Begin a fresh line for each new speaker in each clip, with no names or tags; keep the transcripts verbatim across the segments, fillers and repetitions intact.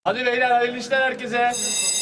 Hadi beyler, hayırlı işler herkese.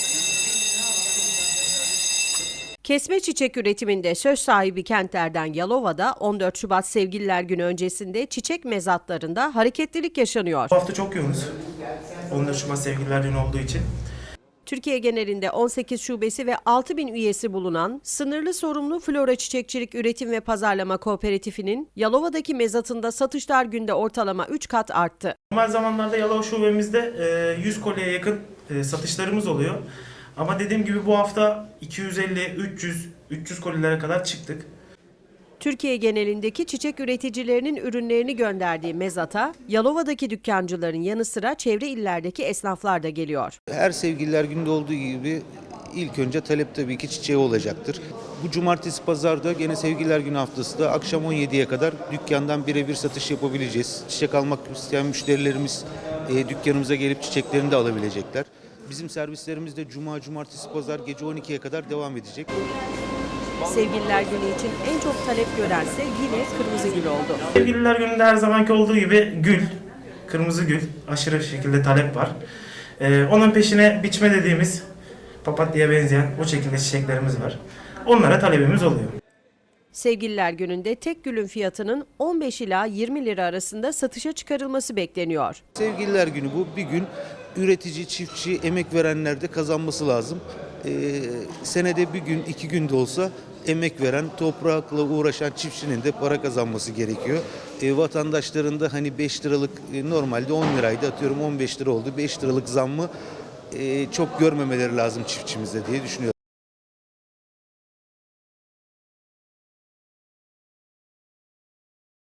Kesme çiçek üretiminde söz sahibi kentlerden Yalova'da on dört Şubat Sevgililer Günü öncesinde çiçek mezatlarında hareketlilik yaşanıyor.
Bu hafta çok yoğunuz. on dört Şubat Sevgililer Günü olduğu için.
Türkiye genelinde on sekiz şubesi ve altı bin üyesi bulunan sınırlı sorumlu flora çiçekçilik üretim ve pazarlama kooperatifinin Yalova'daki mezatında satışlar günde ortalama üç kat arttı.
Normal zamanlarda Yalova şubemizde yüz kolyeye yakın satışlarımız oluyor. Ama dediğim gibi bu hafta iki yüz elli, üç yüz, üç yüz kolilere kadar çıktık.
Türkiye genelindeki çiçek üreticilerinin ürünlerini gönderdiği mezata, Yalova'daki dükkancıların yanı sıra çevre illerdeki esnaflar da geliyor.
Her Sevgililer Günü'nde olduğu gibi ilk önce talep tabii ki çiçeğe olacaktır. Bu cumartesi pazarda gene Sevgililer Günü haftası da akşam on yediye kadar dükkandan birebir satış yapabileceğiz. Çiçek almak isteyen müşterilerimiz e, dükkanımıza gelip çiçeklerini de alabilecekler. Bizim servislerimiz de cuma, cumartesi, pazar gece on ikiye kadar devam edecek.
Sevgililer Günü için en çok talep görense yine kırmızı gül oldu.
Sevgililer Günü'nde her zamanki olduğu gibi gül, kırmızı gül aşırı şekilde talep var. Ee, onun peşine biçme dediğimiz papatyaya benzeyen o şekilde çiçeklerimiz var. Onlara talebimiz oluyor.
Sevgililer Günü'nde tek gülün fiyatının on beş ila yirmi lira arasında satışa çıkarılması bekleniyor.
Sevgililer Günü bu bir gün üretici, çiftçi, emek verenler de kazanması lazım. Ee, senede bir gün, iki gün de olsa emek veren, toprakla uğraşan çiftçinin de para kazanması gerekiyor. E, vatandaşların da hani beş liralık e, normalde on liraydı, atıyorum on beş lira oldu. beş liralık zammı e, çok görmemeleri lazım çiftçimizde diye düşünüyorum.